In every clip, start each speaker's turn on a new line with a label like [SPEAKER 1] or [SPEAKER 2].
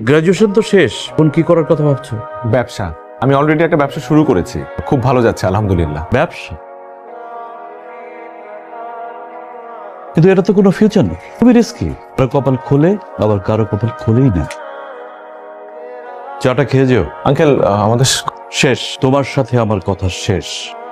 [SPEAKER 1] Graduation তো শেষ, এখন কি করার কথা ভাবছো?
[SPEAKER 2] ব্যবসা। আমি অলরেডি একটা ব্যবসা শুরু করেছি, খুব ভালো যাচ্ছে আলহামদুলিল্লাহ।
[SPEAKER 1] ব্যবসা? কিন্তু এটা তো কোনো ফিউচার নেই, খুবই রিস্কি। কারো কপাল খোলে, আবার কারো কপাল খোলেই না। চাটা খেয়ে যেও।
[SPEAKER 2] আঙ্কেল আমাদের
[SPEAKER 1] শেষ, তোমার সাথে আমার কথা শেষ।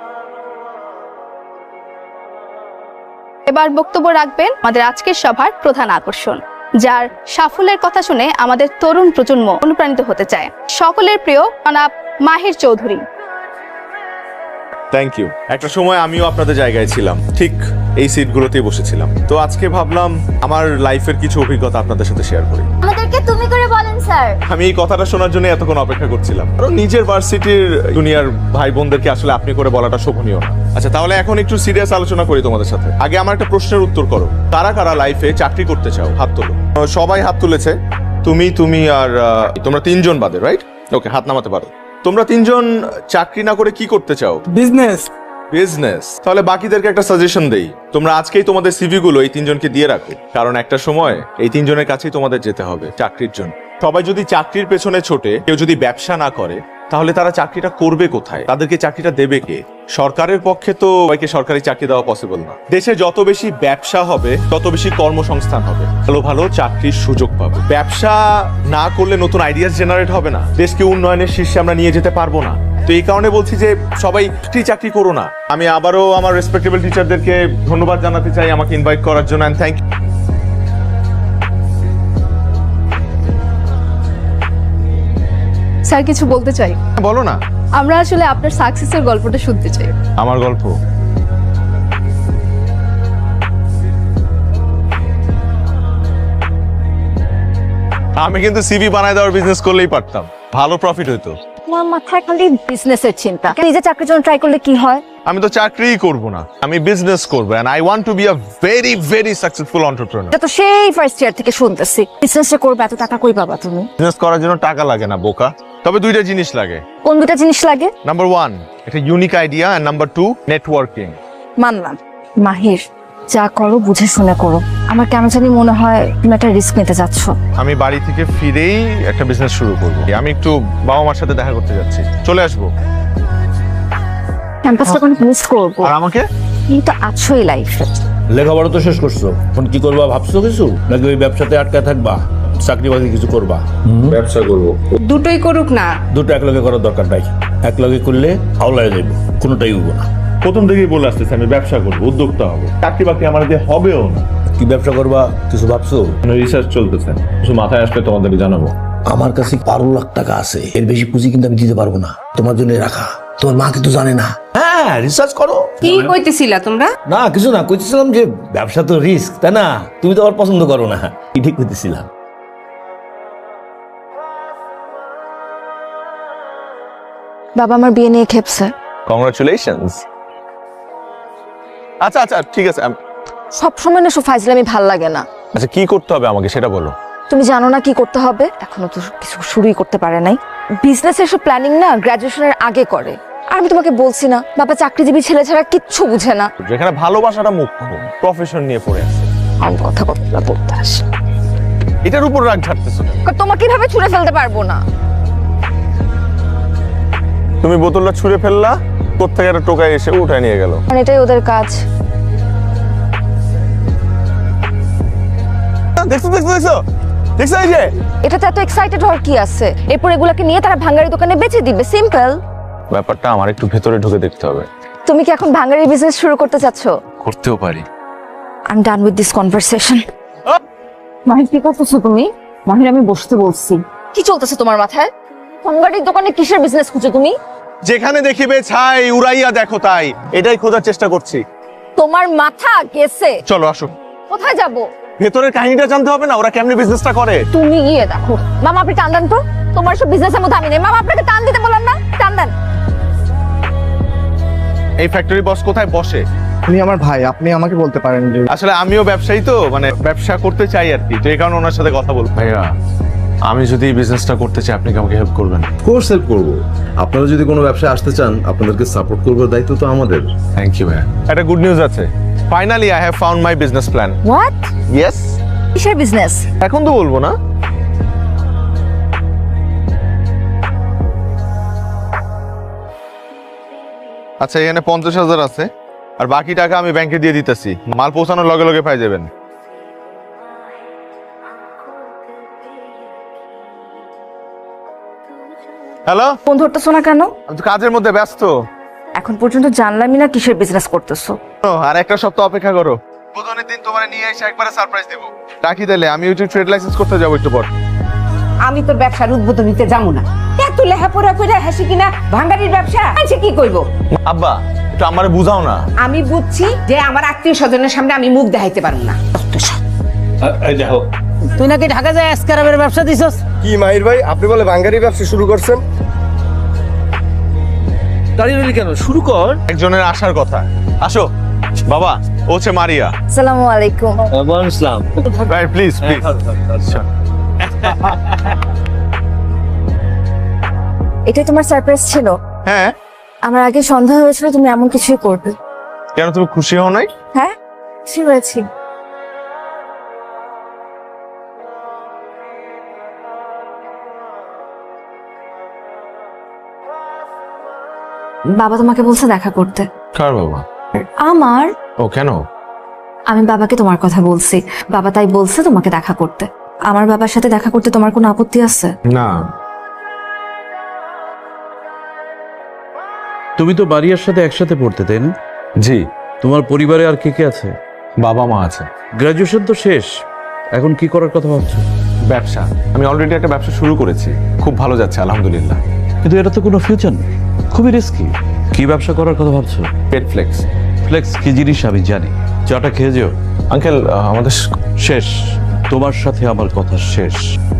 [SPEAKER 3] এবার বক্তব্য রাখবেন আমাদের আজকের সভার প্রধান আকর্ষণ, যার সাফল্যের কথা শুনে আমাদের তরুণ প্রজন্ম অনুপ্রাণিত হতে চায়। সকলের প্রিয় জনাব মাহির চৌধুরী।
[SPEAKER 2] Thank you. একটা সময় আমিও আপনাদের জায়গায় ছিলাম, ঠিক এই সিটগুলোতেই বসেছিলাম। তো আজকে ভাবলাম আমার লাইফের কিছু অভিজ্ঞতা আপনাদের সাথে শেয়ার করি।
[SPEAKER 4] আমাদেরকে তুমি করে বলেন স্যার।
[SPEAKER 2] আমি এই কথাটা শোনার জন্য এতক্ষণ অপেক্ষা করছিলাম, কারণ নিজের ভার্সিটির জুনিয়র ভাই বোনদেরকে আসলে আপনি করে বলাটা শোভনীয় না। আচ্ছা, তাহলে এখন একটু সিরিয়াস আলোচনা করি তোমাদের সাথে। আগে আমার একটা প্রশ্নের উত্তর করো, কারা কারা লাইফে চাকরি করতে চাও? হাত তোলো। সবাই হাত তুলেছে। তুমি আর তোমরা তিনজন বাদে, রাইট? ওকে, হাত নামাতে পারো। তোমরা তিনজন চাকরি না করে কি করতে চাও?
[SPEAKER 5] বিজনেস।
[SPEAKER 2] বিজনেস। তাহলে বাকিদেরকে একটা সাজেশন দেই, তোমরা আজকেই তোমাদের সিভি গুলো এই তিনজনকে দিয়ে রাখো, কারণ একটা সময় এই তিনজনের কাছেই তোমাদের যেতে হবে চাকরির জন্য। সবাই যদি চাকরির পেছনে ছোটে, কেউ যদি ব্যবসা না করে, তাহলে তারা চাকরিটা করবে কোথায়? তাদেরকে চাকরিটা দেবে কে? সরকারের পক্ষে তো সবাইকে সরকারি চাকরি দেওয়া পসিবল না। দেশে যত বেশি ব্যবসা হবে, তত বেশি কর্মসংস্থান হবে, ভালো ভালো চাকরির সুযোগ পাবে। ব্যবসা না করলে নতুন আইডিয়াস জেনারেট হবে না, দেশকে উন্নয়নের শীর্ষে আমরা নিয়ে যেতে পারবো না। তো এই কারণে বলছি যে সবাই চাকরি করো না। আমি আবারও আমার রেসপেক্টেবল টিচারদেরকে ধন্যবাদ জানাতে চাই আমাকে ইনভাইট করার জন্য, এন্ড থ্যাংক ইউ।
[SPEAKER 3] স্যার কিছু বলতে চাই।
[SPEAKER 2] বলো না।
[SPEAKER 3] আমরা আসলে আপনার সাকসেসের গল্পটা শুনতে চাই।
[SPEAKER 2] আমার গল্প? আমি কিন্তু সিভি বানায় দেওয়ার বিজনেস করলেই পারতাম, ভালো প্রফিট হইতো।
[SPEAKER 4] তোমার মাথায় খালি বিজনেসের চিন্তা। নিজে চাকরির জন্য ট্রাই করলে কি হয়?
[SPEAKER 2] আমি তো চাকরিই করব না, আমি বিজনেস করব, and I want to be a very very successful entrepreneur.
[SPEAKER 4] এটা তো সেই ফার্স্ট ইয়ার থেকে শুনতেছি। বিজনেসটা করবে, এত টাকা কই পাবা তুমি?
[SPEAKER 2] বিজনেস করার জন্য টাকা লাগে না বোকা, তবে দুইটা জিনিস লাগে।
[SPEAKER 4] কোন দুটা জিনিস লাগে?
[SPEAKER 2] নাম্বার 1 একটা unique idea, and number 2 networking.
[SPEAKER 4] মানলাম। মাহির, যা করো বুঝে শুনে করো। আমার কেন জানি মনে হয় তুমি একটা রিস্ক নিতে যাচ্ছ।
[SPEAKER 2] আমি বাড়ি থেকে ফিরেই একটা বিজনেস শুরু করব। আমি একটু বাবা মার সাথে দেখা করতে যাচ্ছি, চলে আসবো।
[SPEAKER 4] ক্যাম্পাসটা কোনো মিস করবো।
[SPEAKER 2] আর আমাকে?
[SPEAKER 4] তুমি তো আছোই লাইফে।
[SPEAKER 1] লেখাপড়া তো শেষ করছো, এখন কি করবা ভাবছো কিছু, নাকি ওই ব্যবসাতে আটকায় থাকবা, চাকরি বাকরি কিছু করবা?
[SPEAKER 2] ব্যবসা করব।
[SPEAKER 6] দুটোই করুক না।
[SPEAKER 1] দুটো একলগে করার দরকার নাই, একলগে করলে হাওলায় যাইব, কোনোটাই হইব না।
[SPEAKER 7] প্রথম থেকেই বলে আসতেছে আমি ব্যবসা করবো, উদ্যোক্তা হবো। চাকরি বাকরি আমার দিয়ে হবেও না।
[SPEAKER 1] কি ব্যবসা করবা কিছু ভাবছো?
[SPEAKER 7] রিসার্চ চলতেছে, কিছু মাথায় আসলে তোমাদেরকে জানাবো।
[SPEAKER 8] আমার কাছে 12 লাখ টাকা আছে, এর বেশি পুঁজি কিন্তু আমি দিতে পারবো না। তোমার জন্য রাখা, তোমার মা কিন্তু জানে না।
[SPEAKER 1] হ্যাঁ, রিসার্চ করো।
[SPEAKER 6] কি কইতেছিলা তোমরা?
[SPEAKER 1] না কিছু না, কইতেছিলাম যে ব্যবসা তো রিস্ক, তাই না? তুমি তো আবার পছন্দ করো না, ঠিক কইতেছিলাম।
[SPEAKER 4] বাবা আমার বিয়ে নিয়ে খেপছে।
[SPEAKER 2] কংগ্রাচুলেশনস। আচ্ছা আচ্ছা ঠিক আছে।
[SPEAKER 4] সবসময় না ফাইজলামি ভাল লাগে না।
[SPEAKER 2] আচ্ছা কি করতে হবে আমাকে সেটা বলো।
[SPEAKER 4] তুমি জানো না কি করতে হবে? এখনো তো কিছু শুরুই করতে পারে নাই। বিজনেসের সব প্ল্যানিং না গ্রাজুয়েশনের আগে করে। আর আমি তোমাকে বলছি না, বাবা চাকরিজীবী ছেলে ছাড়া কিচ্ছু বুঝে না।
[SPEAKER 2] যেখানে ভালোবাসাটা মুখ্য, প্রফেশন নিয়ে পড়ে আছে।
[SPEAKER 4] আমি কথা বলতে আসি,
[SPEAKER 2] এটার উপর রাগ ঝাড়তেছো না?
[SPEAKER 4] তোমাকে কিভাবে ছুঁড়ে ফেলতে পারবো না।
[SPEAKER 2] তুমি বোতলটা ছুঁড়ে ফেললা, কোত্থেকে একটা টোকায় এসে উঠায় নিয়ে গেল।
[SPEAKER 4] কারণ এটাই ওদের কাজ।
[SPEAKER 2] দেখছো দেখছো দেখছো দেখছো, এই যে
[SPEAKER 4] এটাতে এত এক্সাইটেড হওয়ার কি আছে? এরপর এগুলাকে নিয়ে তারা ভাঙ্গারি দোকানে বেচে দিবে, সিম্পল।
[SPEAKER 2] ব্যাপারটা আমার একটু ভেতরে ঢুকে দেখতে হবে।
[SPEAKER 4] তুমি কি এখন ভাঙ্গারি বিজনেস শুরু করতে চাচ্ছ?
[SPEAKER 2] করতেও পারি।
[SPEAKER 4] I am done with this conversation.
[SPEAKER 9] Mahir কি করতেছো তুমি? মাহির আমি বসতে বলছি।
[SPEAKER 4] কি চলতেছে তোমার মাথায়? ভাঙ্গারির দোকানে কিসের বিজনেস খুঁজো তুমি?
[SPEAKER 2] যেখানে দেখিবে ছাই উড়াইয়া দেখো তাই, এটাই খোঁজার চেষ্টা করছি।
[SPEAKER 4] তোমার মাথা গেছে।
[SPEAKER 2] চলো আসো।
[SPEAKER 4] কোথায় যাব?
[SPEAKER 2] ভেতরের কাহিনীটা জানতে হবে না, ওরা কেমনে বিজনেসটা করে।
[SPEAKER 4] তুমি গিয়ে দেখো। মামা আপনি টান দেন তো, তোমার সব বিজনেসের মধ্যে আমি নেই। মামা আপনাকে টান দিতে বললাম না, টান দেন।
[SPEAKER 2] এই ফ্যাক্টরি বস কোথায় বসে?
[SPEAKER 5] উনি আমার ভাই, আপনি আমাকে বলতে পারেন যে।
[SPEAKER 2] আসলে আমিও ব্যবসায়ী তো, মানে ব্যবসা করতে চাই আর কি, তো এই কারণে ওনার সাথে কথা বলবো। ভাইয়া আমি যদি এই বিজনেসটা করতে চাই, আপনি কি আমাকে হেল্প করবেন?
[SPEAKER 10] কোর্স হেল্প করবো। আপনারা যদি কোনো ব্যবসায় আসতে চান, আপনাদেরকে সাপোর্ট করবার দায়িত্ব তো আমাদের।
[SPEAKER 2] থ্যাংক ইউ ভাইয়া। একটা গুড নিউজ আছে, finally I have found my business plan.
[SPEAKER 4] What?
[SPEAKER 2] Yes.
[SPEAKER 4] কিসের বিজনেস?
[SPEAKER 2] এখন তো বলবো না। আচ্ছা, এখানে 50,000 আছে, আর বাকি টাকা আমি ব্যাংকে দিয়ে দিতেছি। মাল পৌঁছানোর লগে লগে পাই যাবেন। হ্যালো,
[SPEAKER 4] ফোন ধরতেছো না কেন?
[SPEAKER 2] আমি তো কাজের মধ্যে ব্যস্ত।
[SPEAKER 4] এখন পর্যন্ত জানলামই না কিসের বিজনেস করতেছো।
[SPEAKER 2] আর একটা সপ্তাহ অপেক্ষা করো, বুধনের দিন তোমার নিয়ে এসে একবারে সারপ্রাইজ দেবো। রাখি তাহলে, আমি ওই ট্রেড লাইসেন্স করতে যাবো একটু পর।
[SPEAKER 6] আমি তোর ব্যবসার উদ্বোধন দিতে যাবো না। এত লেখাপড়া করে হাসি কিনা ভাঙ্গারির ব্যবসা আছে, কি করবো?
[SPEAKER 2] আব্বা, একটু আমারে বুঝাও না।
[SPEAKER 6] আমি বুঝছি যে আমার আত্মীয় স্বজনের সামনে আমি মুখ দেখাইতে পারবো না।
[SPEAKER 11] তুই নাকি ঢাকা যায় এসকারাবের ব্যবসা দিছস?
[SPEAKER 5] কি মাহির ভাই, আপনি বলে বাঙ্গারি ব্যবসা শুরু করছেন?
[SPEAKER 11] দাঁড়িয়ে রইলি কেন, শুরু কর।
[SPEAKER 2] একজনের আসার কথা। আসো বাবা, ও হচ্ছে মারিয়া।
[SPEAKER 4] আসসালামু আলাইকুম।
[SPEAKER 11] ওয়ালাইকুম আসসালাম।
[SPEAKER 2] ভাই প্লিজ প্লিজ।
[SPEAKER 4] এটাই তোমার সারপ্রাইজ ছিল?
[SPEAKER 2] হ্যাঁ,
[SPEAKER 4] আমার আগে সন্দেহ হয়েছিল তুমি এমন কিছুই করবে।
[SPEAKER 2] কেন তুমি খুশি হও নাই?
[SPEAKER 4] হ্যাঁ, খুশি হয়েছি। বাবা তোমাকে বলছে দেখা করতে।
[SPEAKER 2] কার বাবা?
[SPEAKER 4] আমার।
[SPEAKER 2] ও কেন?
[SPEAKER 4] আমি বাবাকে তোমার কথা বলছি, বাবা তাই বলছে তোমাকে দেখা করতে। আমার বাবার সাথে দেখা করতে তোমার কোনো আপত্তি আছে?
[SPEAKER 2] না।
[SPEAKER 1] তুমি তো বাড়িয়ার সাথে একসাথে পড়তে, তাই না?
[SPEAKER 2] জি।
[SPEAKER 1] তোমার পরিবারে আর কে কে আছে?
[SPEAKER 2] বাবা মা আছে।
[SPEAKER 1] গ্রাজুয়েশন তো শেষ, এখন কি করার কথা ভাবছো?
[SPEAKER 2] ব্যবসা, আমি অলরেডি একটা ব্যবসা শুরু করেছি, খুব ভালো যাচ্ছে আলহামদুলিল্লাহ।
[SPEAKER 1] কিন্তু এটা তো কোনো ফিউচার নেই, খুবই রিস্কি। কি ব্যবসা করার কথা ভাবছো?
[SPEAKER 2] পেট ফ্লেক্স।
[SPEAKER 1] ফ্লেক্স কি জিনিস আমি জানি, চাটা খেয়ে যেও।
[SPEAKER 2] আঙ্কেল, আমাদের
[SPEAKER 1] শেষ, তোমার সাথে আমার কথা শেষ।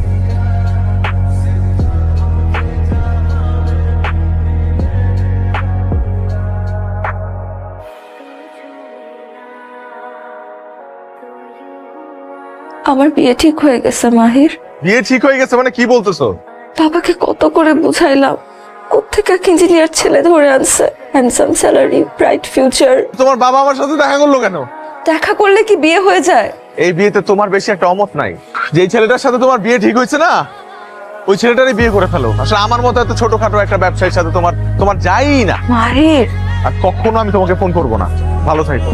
[SPEAKER 4] আমার বিয়ে ঠিক হয়ে গেছে মাহির।
[SPEAKER 2] বিয়ে ঠিক হয়ে গেছে মানে কি বলতেছো?
[SPEAKER 4] বাবাকে কত করে বুঝাইলাম, কোত্থেকে এক ইঞ্জিনিয়ার ছেলে ধরে আনছে, হ্যান্ডসাম স্যালারি, ব্রাইট ফিউচার।
[SPEAKER 2] তোমার বাবা আমার সাথে দেখা করলো কেন?
[SPEAKER 4] দেখা করলে কি বিয়ে হয়ে যায়?
[SPEAKER 2] এই বিয়েতে তোমার বেশি একটা অমত নাই। যেই ছেলেটার সাথে তোমার বিয়ে ঠিক হয়েছে না, ওই ছেলেটারই বিয়ে করে ফেলো। আসলে আমার মতো এত ছোটখাটো একটা ব্যবসায়ীর সাথে তোমার যাই না।
[SPEAKER 4] মাহির,
[SPEAKER 2] আর কখনো আমি তোমাকে ফোন করবো না। ভালো থাকো।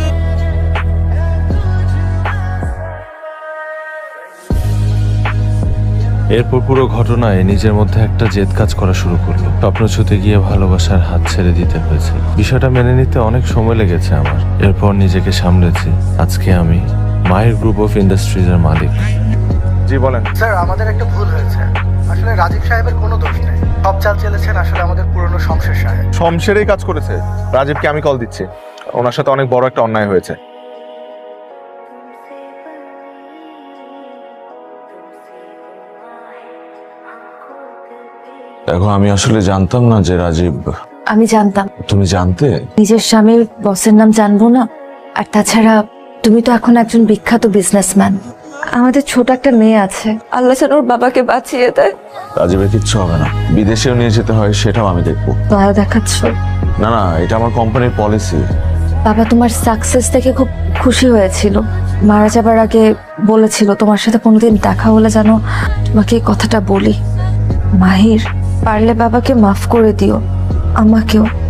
[SPEAKER 7] এরপর পুরো ঘটনায় নিজের মধ্যে একটা জেদ কাজ করা শুরু করলো। স্বপ্ন ছুতে গিয়ে ভালোবাসার হাত ছেড়ে দিতে হয়েছে। বিষয়টা মেনে নিতে অনেক সময় লেগেছে আমার। এরপর নিজেকে সামলেছি। আজকে আমি মাহির গ্রুপ অফ ইন্ডাস্ট্রিজ এর মালিক।
[SPEAKER 2] জি বলেন।
[SPEAKER 5] স্যার, আমাদের একটা ভুল হয়েছে। আসলে রাজীব সাহেবের কোনো দোষ নেই, সব চাল চেলেছেন আসলে আমাদের পুরনো শমশের সাহেব।
[SPEAKER 2] শমশেরই কাজ করেছে। রাজীবকে আমি কল দিচ্ছি, ওনার সাথে অনেক বড় একটা অন্যায় হয়েছে।
[SPEAKER 12] দেখো, আমি আসলে জানতাম না যে রাজীব।
[SPEAKER 4] আমি জানতাম।
[SPEAKER 12] তুমি জানতে?
[SPEAKER 4] নিজের স্বামীর বসের নাম জানবো না? আর তাছাড়া তুমি তো এখন একজন বিখ্যাত বিজনেসম্যান। আমাদের ছোট একটা মেয়ে আছে, আল্লাহ যেন ওর বাবাকে বাঁচিয়ে দেয়।
[SPEAKER 12] রাজীবের কিচ্ছু হবে না, বিদেশেও নিয়ে যেতে হয় সেটাও আমি দেখবো।
[SPEAKER 4] দয়া দেখাচ্ছ?
[SPEAKER 12] না না, এটা আমার কোম্পানির পলিসি।
[SPEAKER 4] বাবা তোমার সাকসেস দেখে খুব খুশি হয়েছিল। মারা যাবার আগে বলেছিল তোমার সাথে কোনোদিন দেখা হলে যেন তোমাকে এই কথাটা বলি। মাহির, পারলে বাবাকে মাফ করে দিও, আমাকেও।